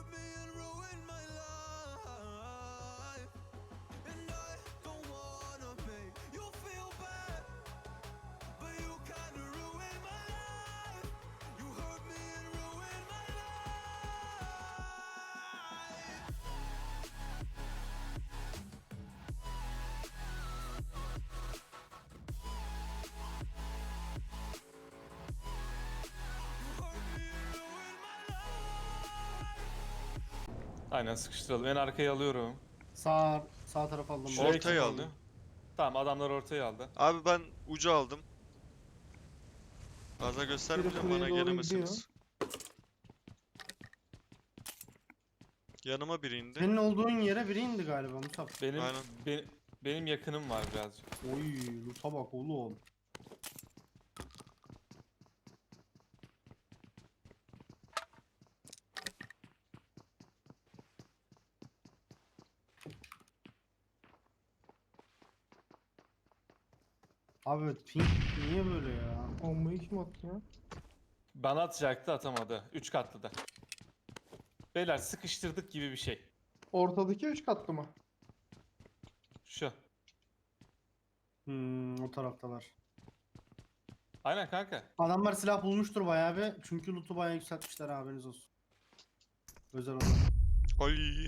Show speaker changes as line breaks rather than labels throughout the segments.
Aynen sıkıştıralım. En arkayı alıyorum.
Sağ taraf aldım.
Şuraya
Ortayı
kim
aldı.
Tamam, adamlar ortayı aldı.
Abi ben ucu aldım. Fazla göstermeyeceğim,
kuleye
bana
doğru
gelemesiniz. Yanıma biri indi.
Senin olduğun yere biri indi galiba Musab.
Benim
Aynen.
benim yakınım var birazcık.
Oy loot'a bak oğlum. Abi pink niye böyle ya?
Bombayı kim attı ya?
Bana atacaktı, atamadı. 3 katlı da. Beyler sıkıştırdık gibi bir şey.
Ortadaki 3 katlı mı?
Şu.
O taraftalar.
Aynen kanka.
Adamlar silah bulmuştur bayağı bir. Çünkü loot'u bayağı yükseltmişler haberiniz olsun. Özel olarak.
Ay.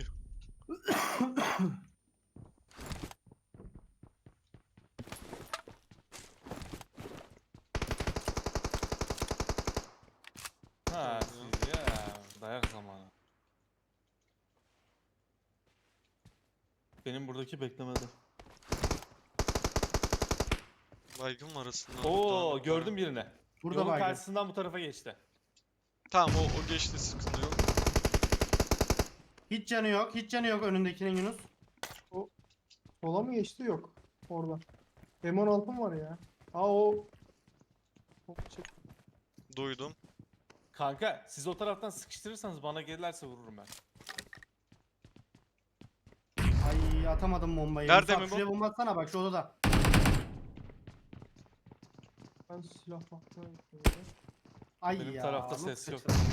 Ha, siz ya. Dayak zamanı. Benim buradaki beklemedi.
Baygın var arasında.
Oo, gördüm birini.
Burada
Yolun
baygın.
karşısından bu tarafa geçti.
Tamam, o geçti, sıkıntı yok.
Hiç canı yok. Hiç canı yok önündekinin Yunus.
Sola mı geçti? Yok. Orada. M16'm var ya. Aa o. Hop çık.
Duydum.
Kanka siz o taraftan sıkıştırırsanız bana gelirlerse vururum ben.
Ay atamadım bombayı.
Nerede
Musab,
mi bu?
şuraya bomba atsana bak şu odada.
Ben silah bakmaya gidiyorum.
Ay
Benim
ya.
tarafta
nasıl
ses yok.
kaçırdım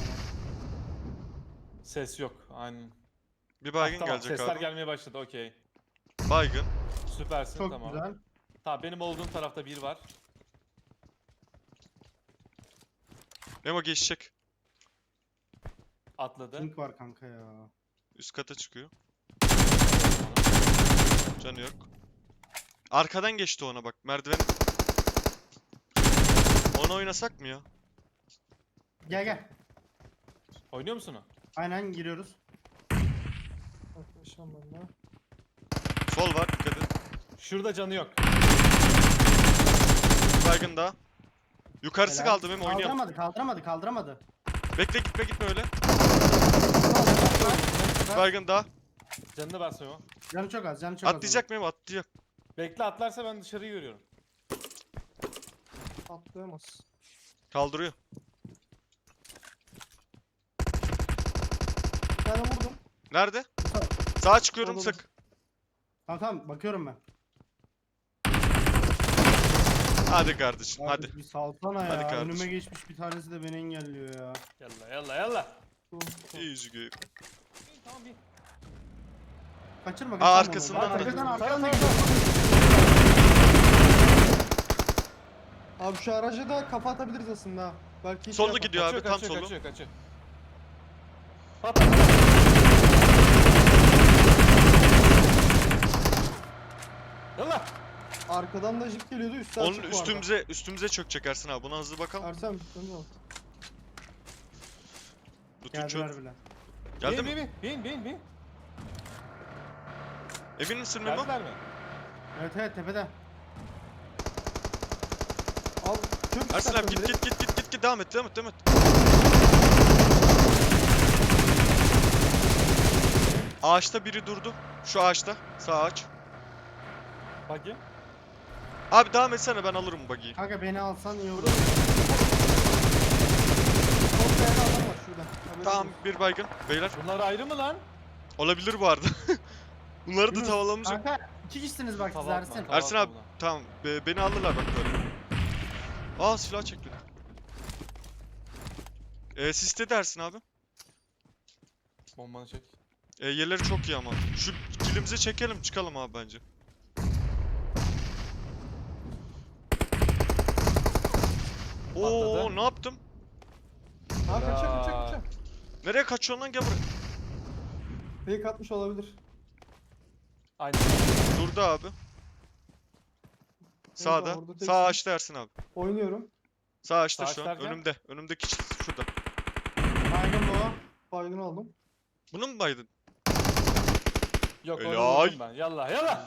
Ses yok. Aynen.
Bir baygın
Tamam,
gelecek
sesler
abi.
gelmeye başladı. Okey.
Baygın.
Süpersin,
Çok
tamam.
güzel.
Tamam, benim olduğum tarafta bir var.
Memo geçecek.
Atladı.
Pink var kanka ya.
Üst kata çıkıyor. Canı yok. Arkadan geçti ona bak. Merdiven. Onu oynasak mı ya?
Gel gel.
Oynuyor musun o?
Aynen giriyoruz.
Yaklaşacağım ben de.
Sol var, dikkat et.
Şurada canı yok.
Baygın daha. Yukarısı
Helal.
kaldı, Memo oynayalım.
Kaldıramadı.
Bekle, gitme öyle. Baygın daha.
Canını basmıyor.
Canı çok az. Canı çok az.
Atlayacak Memo, atlayacak.
Bekle, atlarsa ben dışarıyı görüyorum.
Atlayamaz.
Kaldırıyor.
Bir tane vurdum.
Nerede?
Mustafa.
Sağa çıkıyorum,
Solda.
sık.
Tamam bakıyorum ben.
Hadi kardeşim,
Abi
hadi.
Bir salsana
Hadi
ya.
kardeşim.
Önüme geçmiş bir tanesi de beni engelliyor ya.
Yalla.
Easy game.
Tamam, bir.
Kaçırma
Aa,
kaçırma.
arkasından
onu.
da-
Arkadan da
Abi şu araca da kafa atabiliriz aslında ha. Belki hiç
Sollu
yapar.
gidiyor abi, tam solu.
Kaçıyor. Yalla.
Arkadan da jip geliyordu üstten
Onun
çık bu arada.
üstümüze çökecek Ersin abi. Buna hızlı bakalım.
Ersem dönüyor.
Lütfen çöp.
geldiler bile.
Geldi mi?
Bin.
Emin misin Memo?
Geldiler mi?
Evet tepede.
Al çök
Ersin
istersen
abi git
direkt.
git. Devam et. Ağaçta biri durdu. Şu ağaçta. Sağ ağaç.
Bakayım.
Abi devam etsene, ben alırım buggy'yi.
Kanka beni alsan iyi olur.
Sol kayada adam var şurada. Haberiniz
Tamam,
olsun.
bir baygın. Beyler.
Bunlar ayrı mı lan?
Olabilir bu arada. Bunları da
Yunus,
tavalamayacak.
Kanka 2 kişisiniz bak siz
Tava
Ersin.
atma.
Ersin abi tamam, beni alırlar bak böyle. Aa, silah çekti. Siste de Ersin abi.
Bombanı çek.
Yerleri çok iyi ama. Şu kilimizi çekelim çıkalım abi bence. Oo
Patladı.
ne yaptım?
Ha kaçacağım
Helal.
kaçacağım.
Nereye kaçıyorsun lan, gel buraya.
Fake atmış olabilir.
Aynen.
Durdu abi. Sağda.
orada teksin.
Sağ açtı Ersin abi.
Oynuyorum.
Sağ açtı
Sağ
şu an.
açlarken?
Önümde. Önümdeki şurada.
Baygın bu.
Baygın aldım.
Bunu mu baydın?
Yok onu
Helal.
vurdum ben. Yallah yallah.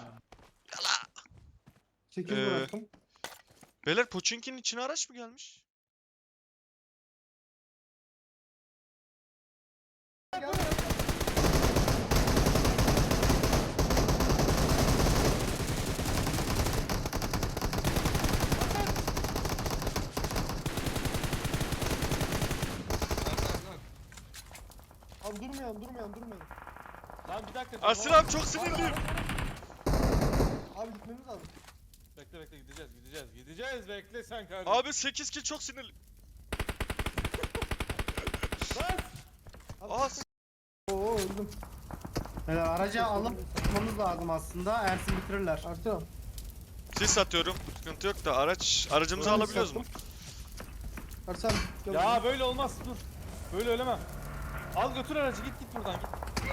8
Ee,
bıraktım.
Beyler Pochinki'nin içine araç mı gelmiş?
Abi durmayan.
Lan bir dakika.
Ersin
tamam.
abi çok sinirliyim.
Abi gitmemiz lazım.
Bekle bekle gideceğiz bekle sen kardeşim.
Abi 8 kill çok sinirli.
Lan!
Abi,
Aa,
Oo öldüm.
Aracı alıp tutmamız lazım aslında. Ersin bitirirler.
Ersin abi.
sis atıyorum. Sıkıntı yok da aracımızı
Öyle
alabiliyoruz mu?
sattım. Ersin gel
Ya
buraya.
böyle olmaz dur. Böyle ölemem. Al götür aracı git buradan git.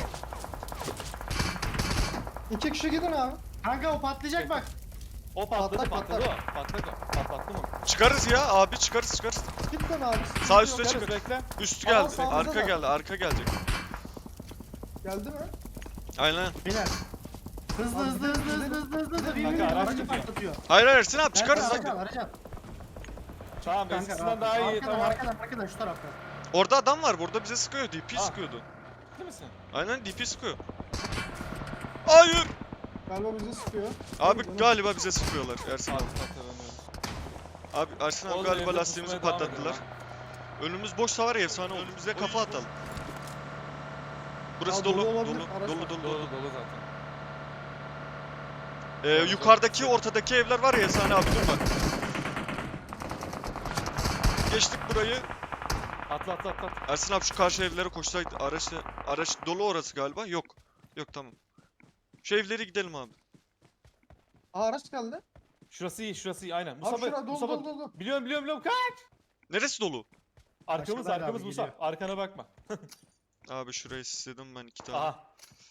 2 kişi gidin abi.
Kanka o patlayacak bak.
O patladı
Patlak,
patladı o. Patlattı mı?
Çıkarız ya abi, çıkarız.
Git lan abi.
Sağ üstte
Çıkarız,
çıkın.
bekle.
Üstü
Aa,
geldi.
sağımızda
Arka
da.
geldi. Arka gelecek.
Geldi mi?
Aynen.
Beyler. Hızlı
Abi,
hızlı hızlı
gidelim.
hızlı hızlı hızlı.
Gidelim.
Bilmiyorum,
Kanka,
aracı
araç
patlatıyor.
Hayır Ersin abi çıkarız
Aracı
lan.
al, aracı al.
Tamam
Kanka
eskisinden daha iyi
arkadan,
tamam.
arkadan şu tarafta.
Orada adam var. Burada bize sıkıyor. DP
Ah.
sıkıyordu.
Değil misin?
Aynen DP sıkıyor. Hayır.
Galiba bizi sıkıyor.
Abi
Canım.
galiba bize sıkıyorlar Ersin abi.
Patlatamıyoruz.
Abi Ersin abi
Oğlum,
galiba
evde
lastiğimizi
pusmaya devam
patlattılar.
ediyor
Önümüz boşsa var ya efsane olur. Önümüze kafa atalım. Burası
Ya,
dolu.
dolu
Dolu.
olabilir,
Dolu.
araç var.
Dolu.
Dolu zaten.
Yukarıdaki ortadaki evler var ya efsane abi, dur bak. Geçtik burayı.
Atla.
Ersin abi şu karşı evlere koşsaydı. Araç dolu orası galiba. Yok. Yok tamam. Şu evlere gidelim abi.
Aa araç geldi.
Şurası iyi aynen.
Abi
Mustafa,
şura dolu
Mustafa.
dolu dolu.
Biliyorum kaç.
Neresi dolu?
Arkamız
Aşağıdan
arkamız
abi,
Musa.
geliyor.
Arkana bakma.
Abi şurayı istedim ben 2 tane.
Aha.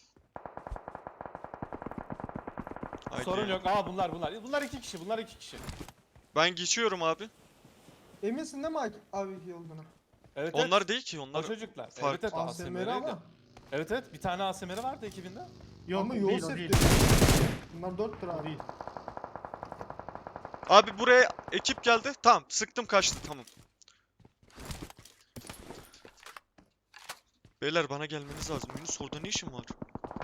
Haydi.
Sorun yok. Aa bunlar. Bunlar iki kişi.
Ben geçiyorum abi.
Eminsin değil mi abi iki olduğuna?
Evet.
Onlar değil ki
O
onlar.
çocuklar.
farklı.
Evet
ASMR
ASMR'ydi.
ama.
Evet bir tane ASMR vardı ekibinde.
Yok
Ama
o
yol
değil o değil.
setti. Bunlar 4 lira
O
abi.
değil.
Abi buraya ekip geldi. Tamam sıktım kaçtı tamam. Beyler bana gelmeniz lazım. Yunus orada ne işin var?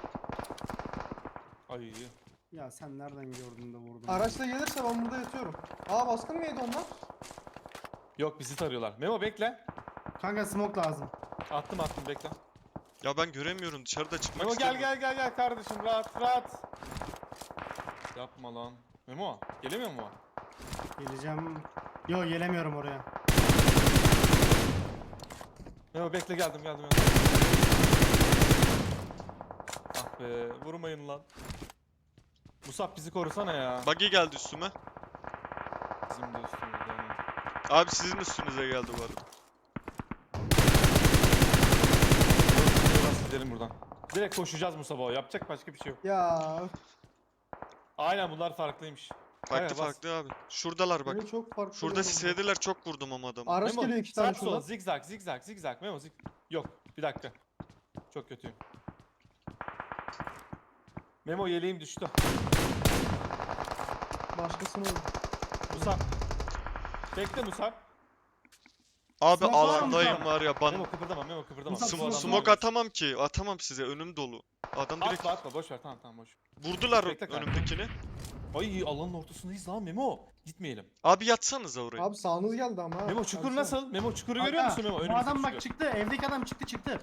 Ay.
Ya sen nereden gördün de vurdun?
Araçla gelirse ben burada yatıyorum. Aa baskın mı yedi onlar?
Yok bizi tarıyorlar. Memo bekle.
Kanka smoke lazım.
Attım bekle.
Ya ben göremiyorum, dışarıda çıkmak
Memo
istemiyorum.
gel kardeşim rahat. Yapma lan. Memo gelemiyor mu?
Geleceğim. Yo gelemiyorum oraya.
Memo bekle geldim. Ah be vurmayın lan. Musab bizi korusana ya.
Buggy geldi üstüme.
Bizim de üstümüzde. aynen.
Abi sizin üstünüze geldi bu arada.
Biraz gidelim buradan. Direkt koşacağız Musab'a. Yapacak başka bir şey yok.
Ya
Aynen bunlar farklıymış. Kaya, bas.
Farklı abi. Şuradalar bak.
böyle çok farklı.
Şurada
yollar.
sislediler, çok vurdum ama adamı.
Araç
Memo,
geliyor 2 tane
sağ sol,
şuradan.
zigzag. Memo Yok bir dakika. Çok kötüyüm. Memo yeleğim düştü.
Başkasını vurdu.
Musab. Bekle Musab.
Abi
Smoke var mı
alandayım
Musa?
var ya ben.
Memo kıpırdama.
Musa,
Bu adamlar
Smoke
var.
atamam ki. Atamam size, önüm dolu. Adam direkt
Atma boş ver tamam boş.
vurdular
Bekle kanka.
önümdekini.
Ay alanın ortasındayız lan Memo. Gitmeyelim.
Abi yatsanıza oraya.
Abi sağınız geldi ama ha.
Memo çukur
Baksana.
nasıl? Memo çukuru görüyor
Kanka,
musun Memo?
Bu
Önümüzdeki
adam bak
çukur.
çıktı. Evdeki adam çıktı.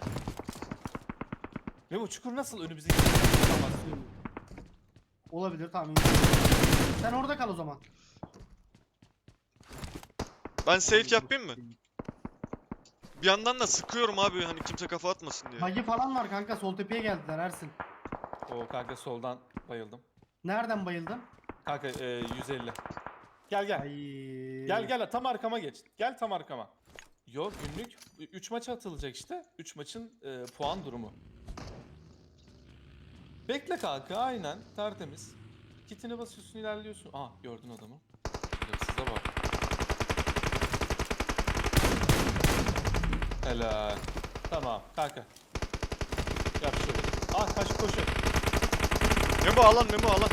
Memo çukur nasıl önümüzdeki çukur?
Olabilir tamam. Sen orada kal o zaman.
Ben safe yapayım mı? Bir yandan da sıkıyorum abi hani kimse kafa atmasın diye.
Buggy falan var kanka, sol tepeye geldiler Ersin.
O kanka soldan bayıldım.
Nereden bayıldın?
Kanka 150. Gel gel.
Ay.
Gel tam arkama geç. Gel tam arkama. Yo günlük 3 maça atılacak işte. 3 maçın puan durumu. Bekle kanka aynen tertemiz. Kitine basıyorsun ilerliyorsun. Aa gördün adamı. Size bak. Helal. Tamam kanka. Yap şöyle. Ah kaç koşu.
Memo alan Memo alan.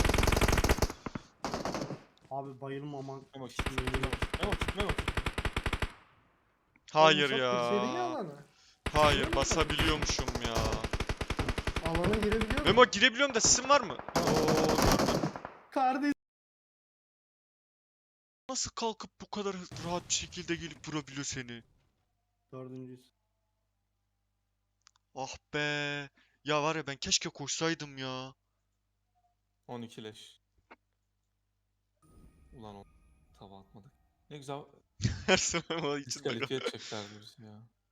Abi bayılmamak.
Memo kit. Memo.
Hayır
Oğlum,
ya.
çok girseydin alanı.
Hayır basabiliyormuşum ya.
Alana girebiliyor musun?
Memo girebiliyorum da sesin var mı?
Kardeş.
Nasıl kalkıp bu kadar rahat bir şekilde gelip vurabiliyor seni?
Dördüncüyüz.
Ah be. Ya var ya ben keşke koşsaydım ya.
12 leş. Ulan o tava atmadık. Ne güzel
Her zaman içinde
diskalifiye edeceklerdi bizi ya.